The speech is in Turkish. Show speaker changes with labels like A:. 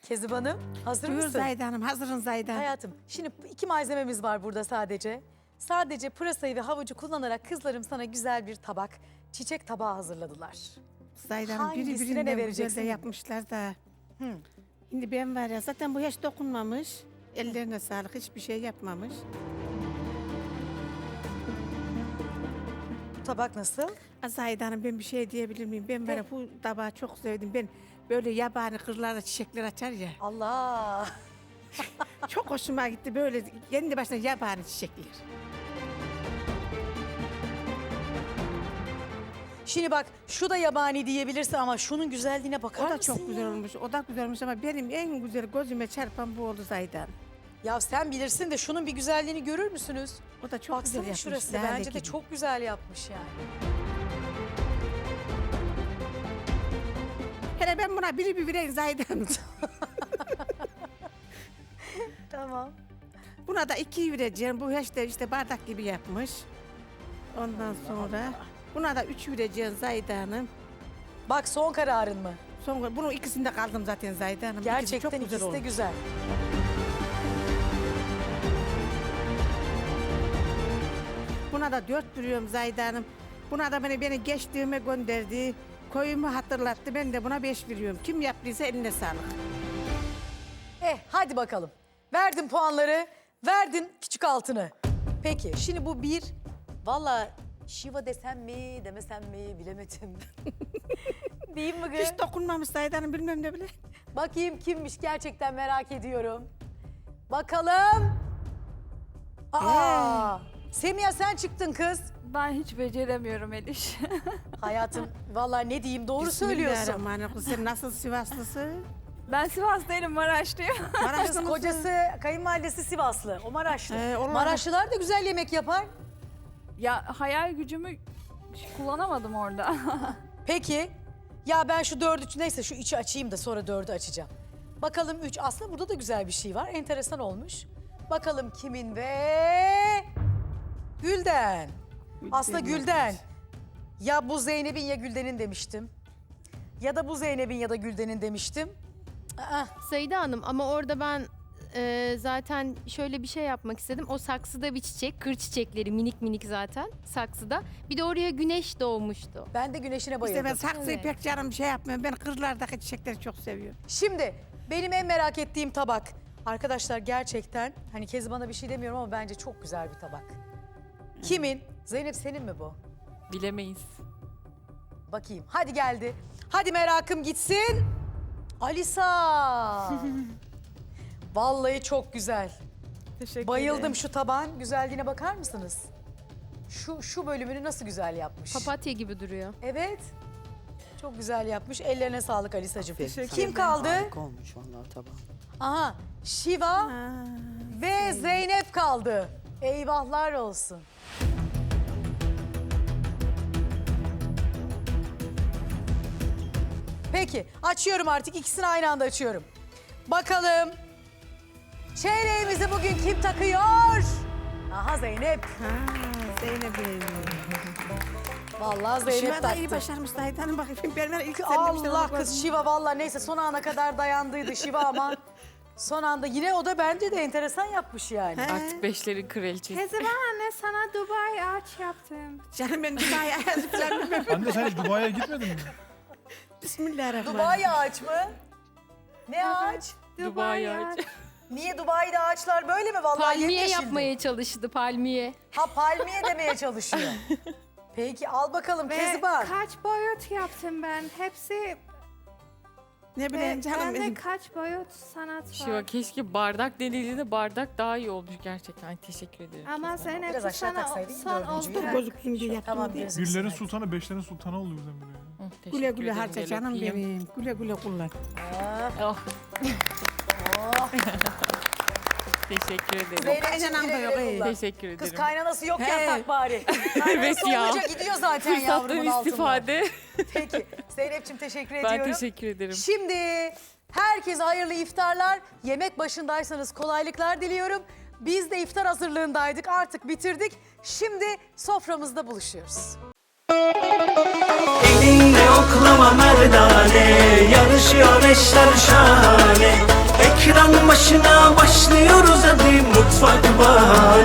A: Kezib Hanım, hazır
B: Buyur
A: mısın?
B: Zahide Hanım, hazırın Zahide Hanım.
A: Hayatım, şimdi iki malzememiz var burada sadece. Sadece pırasayı ve havucu kullanarak kızlarım sana güzel bir tabak, çiçek tabağı hazırladılar.
B: Zahide Hanım biri
A: Hangisine ne
B: birinden güzel
A: vereceksin?
B: de yapmışlar da. Şimdi ben var ya zaten bu hiç dokunmamış. Ellerine sağlık, hiçbir şey yapmamış.
A: Bu tabak nasıl?
B: Zahide Hanım ben bir şey diyebilir miyim? Ben var ya bu tabağı çok sevdim. Ben böyle yabani kırlarda çiçekler açar ya.
A: Allah!
B: Çok hoşuma gitti böyle kendi başına yabani çiçekler.
A: Şimdi bak, şu da yabani diyebilirsin ama şunun güzelliğine bakar
B: O da
A: mısın
B: çok güzel
A: ya?
B: olmuş. O da güzel olmuş ama benim en güzel gözüme çarpan bu oldu Zahide Hanım.
A: Ya sen bilirsin de şunun bir güzelliğini görür müsünüz?
B: O da çok güzel
A: Baksana
B: yapmış.
A: şurası,
B: lale
A: bence de
B: gibi.
A: çok güzel yapmış yani.
B: Hele ben buna bir vereyim Zahide Hanım.
A: Tamam.
B: Buna da 2 vereceğim. Bu işte bardak gibi yapmış. Ondan sonra buna da 3 vereceğim Zahide Hanım.
A: Bak son kararın mı?
B: Sonra bunun ikisinde kaldım zaten Zahide Hanım.
A: Gerçekten
B: çok güzel
A: ikisi de
B: olmuş.
A: güzel.
B: Buna da 4 veriyorum Zahide Hanım. Buna da beni geçtiğime gönderdi. Koyumu hatırlattı. Ben de buna 5 veriyorum. Kim yaptıysa eline sağlık.
A: Hadi bakalım. Verdin puanları, verdin küçük altını. Peki şimdi bu bir, valla şiva desem mi demesem mi bilemedim. Değil mi kız?
B: Hiç dokunmamış Zahide Hanım bilmem ne bile.
A: Bakayım kimmiş gerçekten merak ediyorum. Bakalım. Aa, Semiha sen çıktın kız.
C: Ben hiç beceremiyorum Eliş.
A: Hayatım vallahi ne diyeyim doğru söylüyorsun.
B: Bismillahirrahmanirrahim. Sen nasıl Sivaslısın?
C: Ben Sivas değilim, Maraşlıyım.
A: Kız kocası kayınvalidesi Sivaslı, o Maraşlı.
B: onlar-
A: Maraşlılar da güzel yemek yapar.
C: Ya hayal gücümü kullanamadım orada.
A: Peki. Ya ben şu neyse şu 3'ü açayım da sonra 4'ü açacağım. Bakalım 3. Aslında burada da güzel bir şey var. Enteresan olmuş. Bakalım kimin ve... Gülden. Aslında Gülden. Ya bu Zeynep'in ya Gülden'in demiştim. Ya da bu Zeynep'in ya da Gülden'in demiştim. Aa,
D: Zahide Hanım ama orada ben zaten şöyle bir şey yapmak istedim. O saksıda bir çiçek, kır çiçekleri minik minik zaten saksıda. Bir de oraya güneş doğmuştu.
A: ben de güneşine
B: İşte
A: bayıldım.
B: ben saksıyı
D: Evet.
B: pek canım şey yapmıyorum. Ben kırlardaki çiçekleri çok seviyorum.
A: Şimdi benim en merak ettiğim tabak. Arkadaşlar gerçekten hani Kezban bana bir şey demiyorum ama bence çok güzel bir tabak. Kimin? Zeynep senin mi bu?
C: Bilemeyiz.
A: Bakayım. Hadi geldi. Hadi merakım gitsin. Alisa. Vallahi çok güzel.
C: Teşekkür
A: Bayıldım
C: ederim.
A: şu tabağın güzelliğine bakar mısınız? Şu bölümünü nasıl güzel yapmış.
D: Papatya gibi duruyor.
A: Evet. Çok güzel yapmış. Ellerine sağlık Alisacığım.
C: Teşekkür
A: Kim
C: ederim.
A: kaldı?
E: Harika olmuş vallahi tabağın.
A: Aha. Şiva ve Zeynep kaldı. Eyvahlar olsun. Peki açıyorum artık, ikisini aynı anda açıyorum. Bakalım çeyreğimizi bugün kim takıyor? Aha Zeynep.
B: Zeynep'im.
A: Vallahi Zeynep
B: Şiva da iyi
A: taktı.
B: başarmış Zahide Hanım. Bakayım ben ilk sen demiştin,
A: Allah
B: onu
A: kız
B: gördüm.
A: Şiva vallahi neyse son ana kadar dayandıydı Şiva ama son anda yine o da bence de enteresan yapmış yani.
B: He.
C: Artık beşlerin kraliçesi. Kezban anne sana Dubai ağaç yaptım.
B: Canım ben Dubai'ye falan bilmem.
F: Anne sen hiç Dubai'ye gitmedin mi?
B: Bismillahirrahmanirrahim.
A: Dubai ağaç mı? Ne ağaç?
C: Dubai ağaç.
A: Niye Dubai'de ağaçlar böyle mi? Vallahi
D: Palmiye
A: yemyeşildi.
D: yapmaya çalıştı, palmiye.
A: Ha palmiye demeye çalışıyor. Peki al bakalım Kezban.
G: Kaç boyut yaptım ben. Hepsi
B: Ne bileyim canım
G: bende
B: benim.
G: kaç boyut sanat var.
C: Şiva keşke bardak denildiğinde bardak daha iyi olmuş gerçekten. Ay, teşekkür ederim.
G: Ama Zeynep
A: Biraz aşağı
G: sana
A: taksaydın
G: son
A: dördüncüyü.
G: oldu.
B: Gözüksün diye yaptım
A: Tamam
B: diye.
A: gözüm
F: Güllerin
A: sana.
F: sultanı, beşlerin sultanı oldu birdenbire.
C: Hı, teşekkür
B: Güle güle
C: ederim,
B: harca
C: gel
B: canım
C: öpeyim.
B: benim. Güle güle kullan.
C: Oh. Teşekkür ederim.
A: Zeynep'ciğim
B: Kaynanan da
A: güle
B: yok,
A: güle
B: iyi.
A: kullan.
C: Teşekkür ederim.
A: Kız kaynanası yok
B: He.
A: ya tak bari.
C: Evet
A: Kaynanası
C: ya.
A: olunca gidiyor zaten yavrumun
C: Fırsattan
A: altından.
C: istifade.
A: Peki Zeynep'ciğim teşekkür
C: Ben
A: ediyorum.
C: teşekkür ederim.
A: Şimdi herkese hayırlı iftarlar. Yemek başındaysanız kolaylıklar diliyorum. Biz de iftar hazırlığındaydık. Artık bitirdik. Şimdi soframızda buluşuyoruz.
H: Elinle oklama merdane, yarışıyor eşler şahane.
E: Ekran başına başlıyoruz hadi mutfak bahane